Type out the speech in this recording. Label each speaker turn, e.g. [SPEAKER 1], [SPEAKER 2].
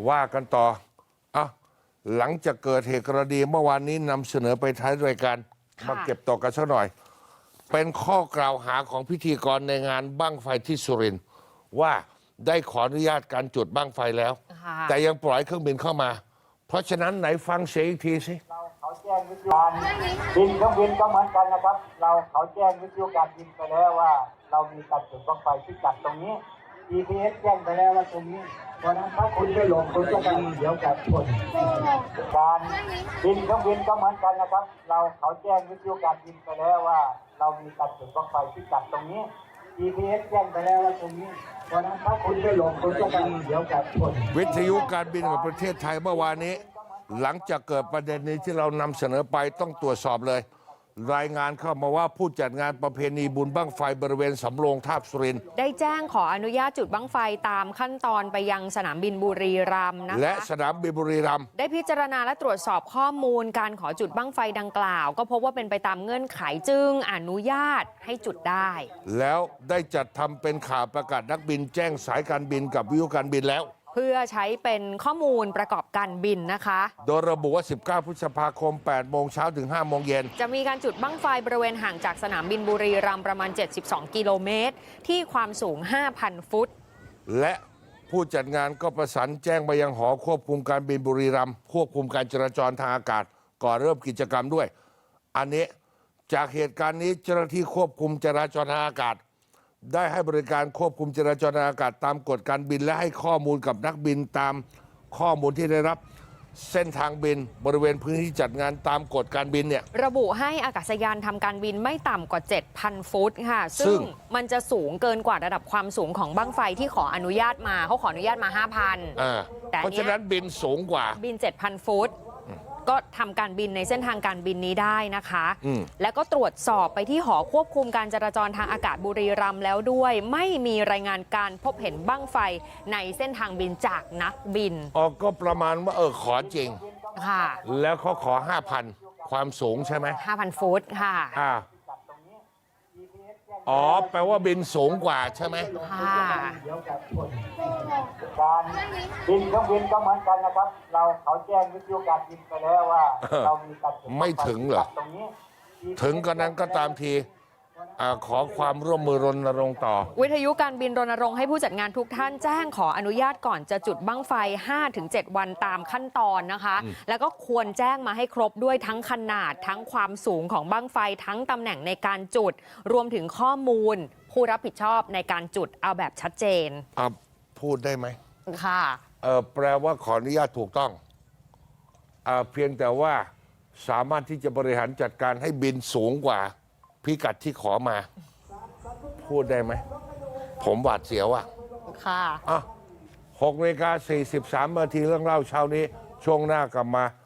[SPEAKER 1] ว่ากันต่ออ่ะหลังจากเกิดเหตุกรณีเมื่อวานนี้นำเสนอไปท้ายรายการมาเก็บตกกันสักหน่อย เป็นข้อกล่าวหาของพิธีกรในงานบั้งไฟที่สุรินทร์ว่าได้ขออนุญาตการจุดบั้งไฟแล้ว แต่ยังปล่อยเครื่องบินเข้ามา เพราะฉะนั้นไหนฟังเสียงอีกทีสิ
[SPEAKER 2] เขาแจ้งวิทยุการบินเครื่องบินก็เหมือนกันนะครับเขาแจ้งวิทยุการบินไปแล้วว่าเรามีการจุดบั้งไฟที่จัดตรงนี้ GPS แจ้งไปแล้วว่าตรงนี้เพราะนั้นถ้าคุณไม่หลงคุณก็จะเดี๋ยวกับชนการบินเครื่องบินก็เหมือนกันนะครับเขาแจ้งวิทยุการบินไปแล้วว่าเรามีการจุดบั้งไฟที่จัดตรงนี้ GPS แจ้งไปแล้วว่าตรงนี้เพราะนั้นถ้าคุณไม่หลงคุณก็จะเดี๋ยวกับชน
[SPEAKER 1] วิทยุการบินของประเทศไทยเมื่อวานนี้หลังจากเกิดประเด็นนี้ที่เรานำเสนอไปต้องตรวจสอบเลย รายงานเข้ามาว่าผู้จัดงานประเพณีบุญบั้งไฟบริเวณสำโรงทาบสุรินทร์
[SPEAKER 3] ได้แจ้งขออนุญาตจุดบั้งไฟตามขั้นตอนไปยังสนามบินบุรีรัมย์นะคะ
[SPEAKER 1] และสนามบินบุรีรัมย์
[SPEAKER 3] ได้พิจารณาและตรวจสอบข้อมูลการขอจุดบั้งไฟดังกล่าวก็พบว่าเป็นไปตามเงื่อนไขจึงอนุญาตให้จุดได้
[SPEAKER 1] แล้วได้จัดทำเป็นข่าวประกาศนักบินแจ้งสายการบินกับวิทยุการบินแล้ว
[SPEAKER 3] เพื่อใช้เป็นข้อมูลประกอบการบินนะคะ
[SPEAKER 1] โดยระบุว่า19พฤษภาคม8โมงเช้าถึง5โมงเย็น
[SPEAKER 3] จะมีการจุดบั้งไฟบริเวณห่างจากสนามบินบุรีรัมย์ประมาณ72กิโลเมตรที่ความสูง 5,000 ฟุต
[SPEAKER 1] และผู้จัดงานก็ประสานแจ้งไปยังหอควบคุมการบินบุรีรัมย์ควบคุมการจราจรทางอากาศก่อนเริ่มกิจกรรมด้วยอันนี้จากเหตุการณ์นี้เจ้าหน้าที่ควบคุมจราจรทางอากาศได้ให้บริการควบคุมจราจรทางอากาศตามกฎการบินและให้ข้อมูลกับนักบินตามข้อมูลที่ได้รับเส้นทางบินบริเวณพื้นที่จัดงานตามกฎการบินเนี่ย
[SPEAKER 3] ระบุให้อากาศยานทำการบินไม่ต่ำกว่า 7,000 ฟุตค่ะซึ่งมันจะสูงเกินกว่าระดับความสูงของบั้งไฟที่ขออนุญาตมาเขาขออนุญาตมา 5,000
[SPEAKER 1] แต่เพราะฉะนั้นบินสูงกว่า
[SPEAKER 3] บิน 7,000 ฟุตก็ทำการบินในเส้นทางการบินนี้ได้นะคะแล้วก็ตรวจสอบไปที่หอควบคุมการจราจรทางอากาศบุรีรัมย์แล้วด้วยไม่มีรายงานการพบเห็นบั้งไฟในเส้นทางบินจากนักบิน
[SPEAKER 1] ก็ประมาณว่าขอจริง
[SPEAKER 3] ค่ะ
[SPEAKER 1] แล้วเขาขอ 5,000 ความสูงใช่ไหม
[SPEAKER 3] 5,000 ฟุตค่ะ
[SPEAKER 1] แปลว่าบินสูงกว่าใช่ไหม
[SPEAKER 3] ค่ะ
[SPEAKER 2] การบินเครื่องบินก็เหมือนกันนะครับเขาแจ้งวิทยุการบินไปแล้วว่าเรามีการ
[SPEAKER 1] ไม่ถึงเหรอถึงกันนั้นก็ตามทีขอความร่วมมือรณรงค์ต่อ
[SPEAKER 3] วิทยุการบินรณรงค์ให้ผู้จัดงานทุกท่านแจ้งขออนุญาตก่อนจะจุดบั้งไฟ 5-7 วันตามขั้นตอนนะคะแล้วก็ควรแจ้งมาให้ครบด้วยทั้งขนาดทั้งความสูงของบั้งไฟทั้งตำแหน่งในการจุดรวมถึงข้อมูลผู้รับผิดชอบในการจุดเอาแบบชัดเจน
[SPEAKER 1] พูดได้ไหม
[SPEAKER 3] ค่ะ
[SPEAKER 1] แปลว่าขออนุญาตถูกต้องเพียงแต่ว่าสามารถที่จะบริหารจัดการให้บินสูงกว่าพิกัดที่ขอมาพูดได้ไหมผมหวาดเสียว
[SPEAKER 3] ค่ะ
[SPEAKER 1] 6:43 นาทีเรื่องเล่าเช้านี้ช่วงหน้ากลับมา